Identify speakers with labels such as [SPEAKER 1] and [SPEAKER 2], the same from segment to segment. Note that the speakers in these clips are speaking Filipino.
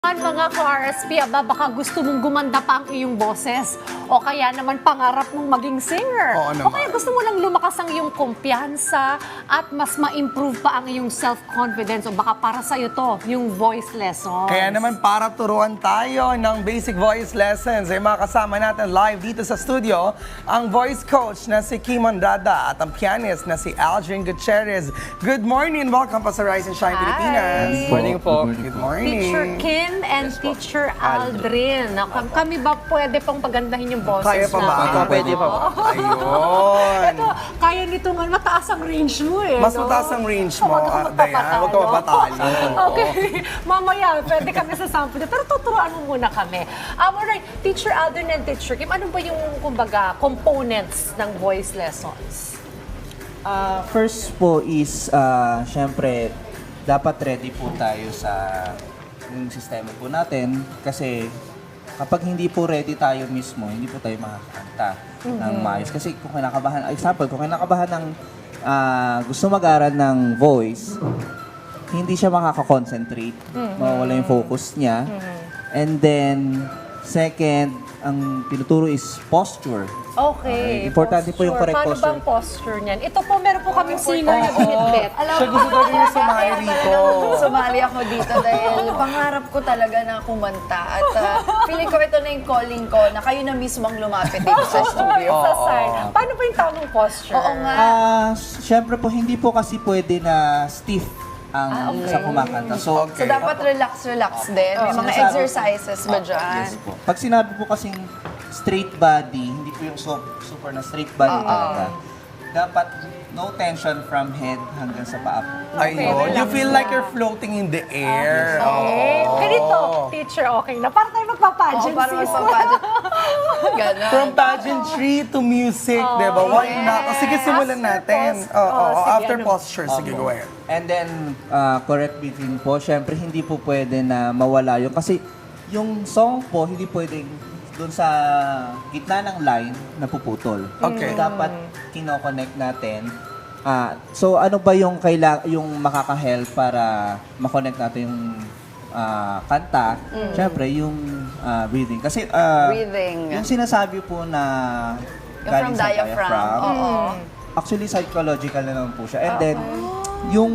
[SPEAKER 1] Mga ka-RSP, baka gusto mong gumanda pa ang iyong boses o kaya naman pangarap mong maging singer.
[SPEAKER 2] Oo naman.
[SPEAKER 1] O kaya gusto mo lang lumakas ang iyong kumpiyansa at mas ma-improve pa ang iyong self-confidence o baka para sa'yo to, yung voice lessons.
[SPEAKER 2] Kaya naman para turuan tayo ng basic voice lessons, ay makasama natin live dito sa studio ang voice coach na si Kim Andrada at ang pianist na si Aldrin Gutierrez. Good morning! Welcome pa sa Rise and Shine
[SPEAKER 1] Hi.
[SPEAKER 2] Pilipinas.
[SPEAKER 3] Good morning po.
[SPEAKER 2] Good morning.
[SPEAKER 1] Teacher Kim and Teacher Aldrin. Kami ba pwede pang pagandahin yung boses
[SPEAKER 2] Kaya pa ba?
[SPEAKER 1] natin?
[SPEAKER 3] Pwede pa.
[SPEAKER 2] Ayun.
[SPEAKER 1] Ito, kaya nito nga, mataas ang range mo eh.
[SPEAKER 2] Mas
[SPEAKER 1] no?
[SPEAKER 2] mataas ang range mo,
[SPEAKER 1] Huwag ka
[SPEAKER 2] Dayan. Huwag ka mapatalo.
[SPEAKER 1] Okay. Mamaya, pwede kami sa sample. Pero tuturuan mo muna kami. Alright, Teacher Aldrin and Teacher Kim, ano ba yung, kumbaga, components ng voice lessons?
[SPEAKER 3] First po is, syempre, dapat ready po tayo sa yung sistema po natin kasi kapag hindi po ready tayo mismo, hindi po tayo makakanta ng maayos. Kasi kung kinakabahan, example, kung kinakabahan ng gusto mag-aral ng voice, hindi siya makaka-concentrate, mawawala yung focus niya. And then, second, ang tinuturo is posture.
[SPEAKER 1] Okay.
[SPEAKER 3] Importante po yung correct
[SPEAKER 1] Paano
[SPEAKER 3] posture.
[SPEAKER 1] ba ang posture niyan? Ito po, meron po kami singer na binitbit.
[SPEAKER 2] Siya gusto talaga yung sumali rito.
[SPEAKER 4] Sumali ako dito dahil pangarap ko talaga na kumanta at feeling ko ito na yung calling ko na kayo na mismo ang lumapit dito sa studio.
[SPEAKER 1] Sa side. Paano ba yung tamang posture?
[SPEAKER 4] Oo nga.
[SPEAKER 3] Syempre po, hindi po kasi pwede na stiff ang sa kumakanta. So,
[SPEAKER 4] So dapat relax din. May mga
[SPEAKER 3] Sinasabi-
[SPEAKER 4] exercises ba dyan?
[SPEAKER 3] Yes po. Pag sinabi po kasing straight body, hindi po yung super na straight body talaga. Dapat no tension from head hanggang sa paa.
[SPEAKER 2] Ayun. You feel like you're floating in the air.
[SPEAKER 1] Okay.
[SPEAKER 2] Oo.
[SPEAKER 1] Ganito, teacher, okay na. Para tayo magpa-pageant,
[SPEAKER 4] Oo, para
[SPEAKER 1] sis.
[SPEAKER 4] magpapadyan. Ganon.
[SPEAKER 2] From pageantry to music, di ba? Why not? O, sige, simulan natin. Oo,
[SPEAKER 1] sige,
[SPEAKER 2] after
[SPEAKER 1] ano?
[SPEAKER 2] posture. Sige, go ahead.
[SPEAKER 3] And then, correct me din po, syempre hindi po pwede na mawala yun. Kasi yung song po, hindi pwedeng doon sa gitna ng line napuputol.
[SPEAKER 2] Okay.
[SPEAKER 3] Dapat kino-connect natin. So ano ba yung yung makaka-help para ma-connect natin yung kanta? Syempre yung breathing. Kasi
[SPEAKER 4] Breathing.
[SPEAKER 3] yung sinasabi po na
[SPEAKER 4] Yung from diaphragm. Oo.
[SPEAKER 3] actually psychological na naman po siya. And then yung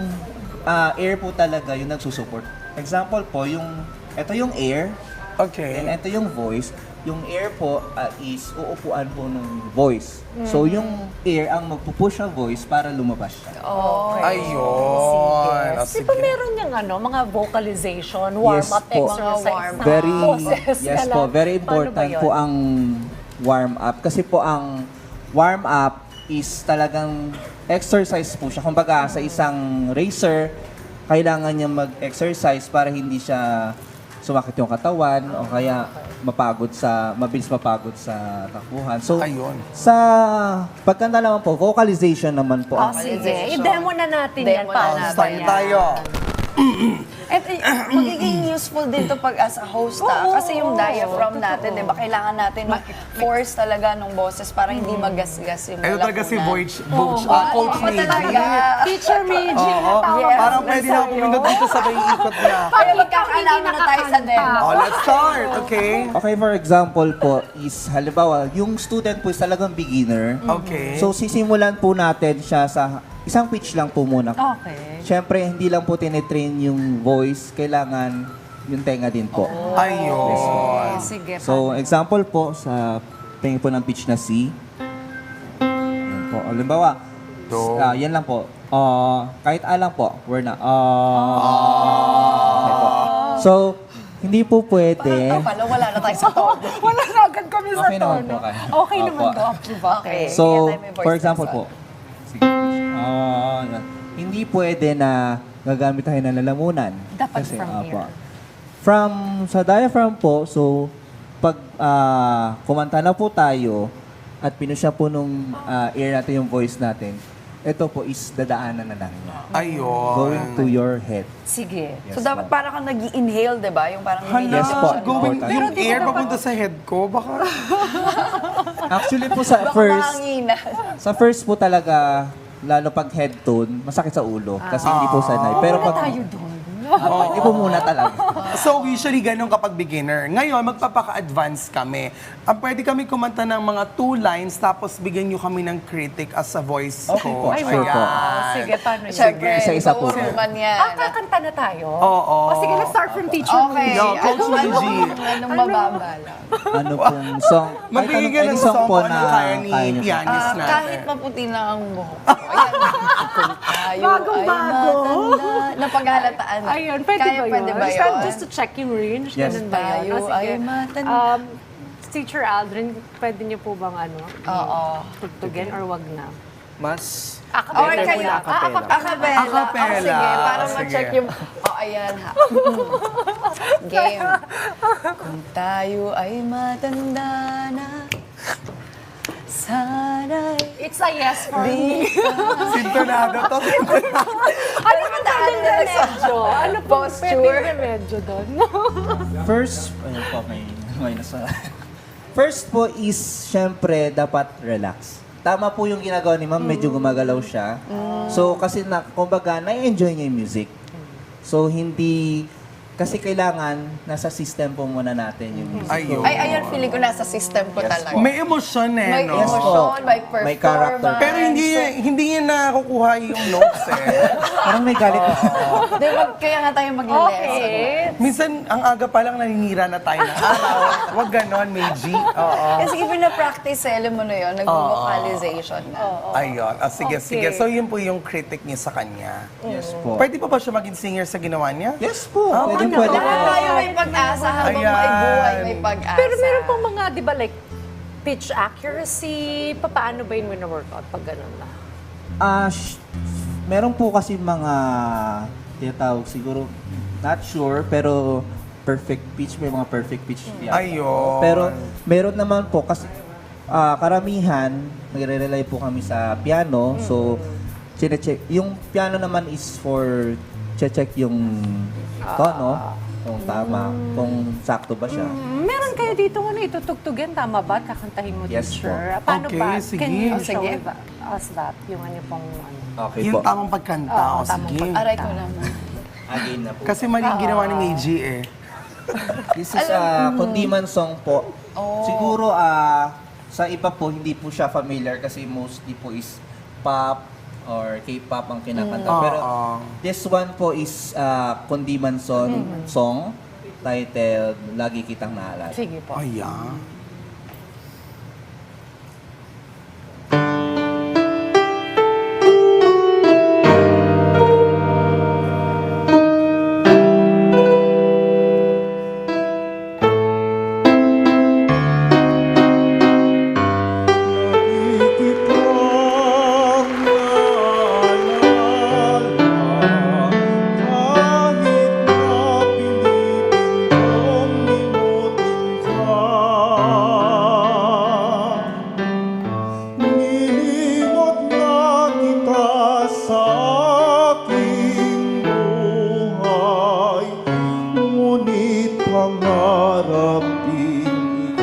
[SPEAKER 3] air po talaga yung nagsusupport. Example po, ito yung air,
[SPEAKER 2] Okay.
[SPEAKER 3] and ito yung voice. Yung air po is uupuan po ng voice. So yung air ang magpupush ng voice para lumabas siya.
[SPEAKER 2] Ayun. O,
[SPEAKER 1] Di
[SPEAKER 2] sige.
[SPEAKER 1] ba meron yung mga vocalization, warm-up
[SPEAKER 3] Yes po.
[SPEAKER 1] exercise
[SPEAKER 4] Mga warm-up.
[SPEAKER 1] na
[SPEAKER 3] Very
[SPEAKER 1] boses
[SPEAKER 3] yes
[SPEAKER 1] na
[SPEAKER 3] po,
[SPEAKER 1] lang?
[SPEAKER 3] very
[SPEAKER 1] Paano ba
[SPEAKER 3] important
[SPEAKER 1] yun?
[SPEAKER 3] po ang warm up kasi po ang warm up is talagang exercise po siya. Kumbaga sa isang racer, kailangan niya mag-exercise para hindi siya sumakit yung katawan o kaya mabilis mapagod sa takbuhan. So,
[SPEAKER 2] Ayun.
[SPEAKER 3] sa pagkanta naman po, vocalization naman po.
[SPEAKER 1] Oh,
[SPEAKER 3] ang
[SPEAKER 1] sige. I-demo na natin yan.
[SPEAKER 4] Demo na
[SPEAKER 1] Paano
[SPEAKER 4] natin.
[SPEAKER 1] ba
[SPEAKER 2] Start
[SPEAKER 1] yan?
[SPEAKER 2] tayo.
[SPEAKER 4] At magiging useful din to pag as a host kasi yung diaphragm natin, di ba, kailangan natin mag-force talaga ng boses para hindi magasgas yung
[SPEAKER 2] Ito talaga si
[SPEAKER 4] lalamunan.
[SPEAKER 2] Coach
[SPEAKER 4] Oo,
[SPEAKER 2] Meiji.
[SPEAKER 4] talaga.
[SPEAKER 1] Teacher Meiji,
[SPEAKER 2] Oo.
[SPEAKER 1] natawag
[SPEAKER 4] Yes,
[SPEAKER 2] Parang
[SPEAKER 1] na
[SPEAKER 2] pwede na ako
[SPEAKER 1] sa'yo.
[SPEAKER 2] pumindot dito sabay ikot niya.
[SPEAKER 4] Kaya
[SPEAKER 1] Ikaw
[SPEAKER 4] magkakaalaman
[SPEAKER 1] hindi
[SPEAKER 4] na tayo sa demo.
[SPEAKER 1] nakakanta.
[SPEAKER 2] Oh, let's start. Okay?
[SPEAKER 3] Okay, for example po is, halimbawa, yung student po is talagang beginner.
[SPEAKER 2] Okay.
[SPEAKER 3] So, sisimulan po natin siya sa isang pitch lang po muna.
[SPEAKER 1] Okay.
[SPEAKER 3] Siyempre, hindi lang po tinitrain yung voice, kailangan yung tenga din po.
[SPEAKER 2] Ayun.
[SPEAKER 1] Sige.
[SPEAKER 3] So, example po, sa tenga po ng pitch na C. Yan po. Halimbawa,
[SPEAKER 2] Do.
[SPEAKER 3] yan lang po. Kahit A lang po, we're na. Okay po. So, hindi po pwede.
[SPEAKER 4] Ito pala, wala na tayo sa tono.
[SPEAKER 1] Wala na agad kami sa
[SPEAKER 3] Okay naman
[SPEAKER 1] tono.
[SPEAKER 3] po kayo.
[SPEAKER 1] Okay
[SPEAKER 3] Opo.
[SPEAKER 1] naman po.
[SPEAKER 4] Okay.
[SPEAKER 3] So,
[SPEAKER 4] Kaya tayo may voice
[SPEAKER 3] for example
[SPEAKER 4] lesson.
[SPEAKER 3] po, sige, yan. Hindi pwede na gagamit tayo ng lalamunan.
[SPEAKER 1] Dapat from here.
[SPEAKER 3] From sa diaphragm po, so pag kumanta na po tayo at pinusya po nung ear natin yung voice natin, ito po is dadaanan na lang niya. Going
[SPEAKER 2] Ayun.
[SPEAKER 3] to your head.
[SPEAKER 1] Sige.
[SPEAKER 3] Yes
[SPEAKER 4] So dapat
[SPEAKER 3] po.
[SPEAKER 4] para kang nag-inhale, di ba? Yung parang
[SPEAKER 3] Yes po.
[SPEAKER 2] Going,
[SPEAKER 3] Important.
[SPEAKER 2] yung
[SPEAKER 1] Pero di
[SPEAKER 2] air
[SPEAKER 1] ba dapat-
[SPEAKER 2] papunta sa head ko, baka...
[SPEAKER 3] Actually po sa
[SPEAKER 4] Baka
[SPEAKER 3] first,
[SPEAKER 4] mahanginan.
[SPEAKER 3] sa first po talaga, lalo pag head tone, masakit sa ulo kasi hindi po sanay. Pero
[SPEAKER 1] Wala
[SPEAKER 3] pag
[SPEAKER 1] tayo doon.
[SPEAKER 3] Hindi po muna talaga.
[SPEAKER 2] So usually ganun kapag beginner. Ngayon, magpapaka-advance kami. Pwede kami kumanta ng mga 2 lines tapos bigyan nyo kami ng critic as a voice
[SPEAKER 3] Okay po,
[SPEAKER 2] coach.
[SPEAKER 3] sure po.
[SPEAKER 1] Sige, paano yun?
[SPEAKER 4] Siyempre,
[SPEAKER 3] Isa-isa po.
[SPEAKER 4] ikaw naman yan.
[SPEAKER 1] Kakanta na tayo?
[SPEAKER 2] Oo.
[SPEAKER 1] O sige, let's start from teacher.
[SPEAKER 4] Okay.
[SPEAKER 2] Yo, Coach Luigi.
[SPEAKER 4] Anong mababala?
[SPEAKER 3] Ano pong song?
[SPEAKER 2] Magbigay ka
[SPEAKER 3] Kahit
[SPEAKER 2] ng
[SPEAKER 3] anong
[SPEAKER 2] song po
[SPEAKER 3] na
[SPEAKER 2] na kaya ni
[SPEAKER 3] kaya niyo po.
[SPEAKER 2] pianist natin.
[SPEAKER 4] Kahit maputi na ang buhok. Ayan. Kung tayo
[SPEAKER 1] Bagong-bago.
[SPEAKER 4] ay matanda. Napaghalataan.
[SPEAKER 1] Ayun, pwede
[SPEAKER 4] Kaya
[SPEAKER 1] ba yun?
[SPEAKER 4] pwede ba
[SPEAKER 1] Just-
[SPEAKER 4] yun?
[SPEAKER 1] Just to check yung range,
[SPEAKER 3] Yes.
[SPEAKER 1] ganun ba yun?
[SPEAKER 4] Tayo
[SPEAKER 1] O, sige.
[SPEAKER 4] ay matanda.
[SPEAKER 1] Teacher Aldrin, pwede niyo po bang
[SPEAKER 4] Oo.
[SPEAKER 1] tugtugin or wag na?
[SPEAKER 3] Mas
[SPEAKER 4] Or
[SPEAKER 1] Better
[SPEAKER 4] kayo,
[SPEAKER 1] muna, acapella.
[SPEAKER 4] acapella.
[SPEAKER 2] Acapella.
[SPEAKER 4] Sige, para
[SPEAKER 2] Sige.
[SPEAKER 4] ma-check yung... ayan ha. Game. Kung tayo ay matanda na, sana'y
[SPEAKER 1] It's a yes for me.
[SPEAKER 2] Sintonado to.
[SPEAKER 1] Ano ba pwedeng remedyo? Ano po
[SPEAKER 4] Posture.
[SPEAKER 1] pwedeng remedyo doon?
[SPEAKER 3] first, ayun po, may nasa. First po is, syempre, dapat relax. Tama po yung ginagawa ni ma'am, medyo gumagalaw siya. So, kasi kumbaga, na-enjoy niya yung music. So, hindi, kasi kailangan, nasa system po muna natin yung music.
[SPEAKER 2] Ayun.
[SPEAKER 4] Ay, ayan, feeling ko nasa system ko talaga.
[SPEAKER 2] May emosyon
[SPEAKER 4] May
[SPEAKER 2] no?
[SPEAKER 4] emosyon, may performance.
[SPEAKER 3] May character.
[SPEAKER 2] Pero hindi niya nakukuha yung notes
[SPEAKER 3] Parang may galit na.
[SPEAKER 4] Di ba, kaya nga tayo mag-lesson.
[SPEAKER 1] Okay.
[SPEAKER 2] Minsan, ang aga pa lang naninira na tayo ng araw. Huwag ganon, may G. Oo.
[SPEAKER 4] Kasi even na-practice, alam mo na yun, nag-vocalization na.
[SPEAKER 2] Ayun. Sige,
[SPEAKER 1] Okay.
[SPEAKER 2] sige. So, yun po yung critic niya sa kanya.
[SPEAKER 3] Yes po.
[SPEAKER 2] Pwede pa ba siya maging singer sa ginawa niya?
[SPEAKER 3] Yes po. Pwede
[SPEAKER 1] ano?
[SPEAKER 3] pwede po.
[SPEAKER 4] Lahat tayo may pag-asa habang
[SPEAKER 2] Ayan.
[SPEAKER 4] may buhay, may pag-asa.
[SPEAKER 1] Pero meron pong mga, di ba, like, pitch accuracy, paano ba yun wina-workout pag ganun na?
[SPEAKER 3] Meron po kasi mga tinatawag siguro, not sure, pero perfect pitch, may mga perfect pitch.
[SPEAKER 2] Ayun.
[SPEAKER 3] Pero meron naman po kasi karamihan, nagre-rely po kami sa piano. So, chine-check. Yung piano naman is for check yung tono, kung tama, kung sakto ba siya.
[SPEAKER 1] Meron kayo dito itutugtugan, tama ba? Kakantahin mo,
[SPEAKER 3] Yes
[SPEAKER 1] teacher.
[SPEAKER 3] po.
[SPEAKER 1] Paano
[SPEAKER 2] Okay,
[SPEAKER 1] ba?
[SPEAKER 2] sige.
[SPEAKER 1] Can you
[SPEAKER 4] Oh,
[SPEAKER 1] show
[SPEAKER 4] sige.
[SPEAKER 1] us that? Yung ano pong
[SPEAKER 3] Okay
[SPEAKER 2] Yung
[SPEAKER 3] po.
[SPEAKER 2] tamang pagkanta.
[SPEAKER 1] Oo,
[SPEAKER 2] O,
[SPEAKER 1] tamang
[SPEAKER 2] sige.
[SPEAKER 4] Aray ko naman.
[SPEAKER 3] Again na po.
[SPEAKER 2] Kasi mali yung ginawa ni Meiji eh.
[SPEAKER 3] This is a Kundiman song po. Siguro sa iba po hindi po siya familiar kasi mostly po is pop or K-pop ang kinakanta. Pero this one po is Kundiman song titled Lagi Kitang Naalala.
[SPEAKER 1] Sige po.
[SPEAKER 2] Ayan.
[SPEAKER 5] Nilimot na kita sa aking buhay, ngunit pangarap din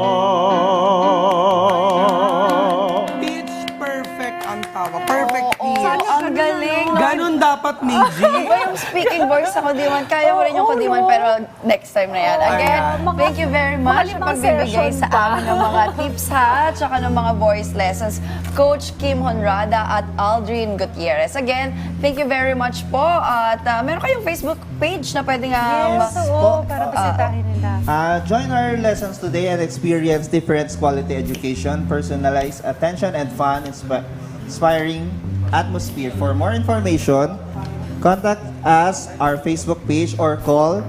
[SPEAKER 5] ikaw.
[SPEAKER 2] Pitch perfect ang tawag. Perfect
[SPEAKER 4] Oo,
[SPEAKER 2] pitch.
[SPEAKER 4] ang galing.
[SPEAKER 2] Ganon dapat, Meiji.
[SPEAKER 4] Iba yung speaking voice sa Kundiman. Kaya ko rin yung Kundiman, pero next time na yan. Again, thank you very much sa
[SPEAKER 1] limang
[SPEAKER 4] pagbibigay
[SPEAKER 1] session
[SPEAKER 4] sa
[SPEAKER 1] pa.
[SPEAKER 4] amin ng mga tips ha, at saka ng mga voice lessons. Coach Kim Honrada at Aldrin Gutierrez. Again, thank you very much po. At meron kayong Facebook page na pwede nga...
[SPEAKER 1] Yes, oo, para bisitahin nila.
[SPEAKER 5] Join our lessons today and experience different quality education, personalized attention, and fun, inspiring atmosphere. For more information, contact us our Facebook page or call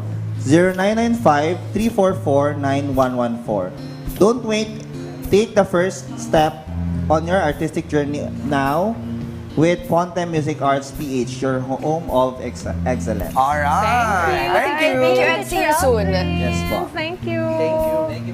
[SPEAKER 5] 0995-344-9114. Don't wait. Take the first step on your artistic journey now with Ponte Music Arts PH, your home of excellence.
[SPEAKER 2] Alright. Thank you.
[SPEAKER 4] Thank you and see you soon.
[SPEAKER 3] Yes po.
[SPEAKER 1] Thank you.
[SPEAKER 3] Thank you.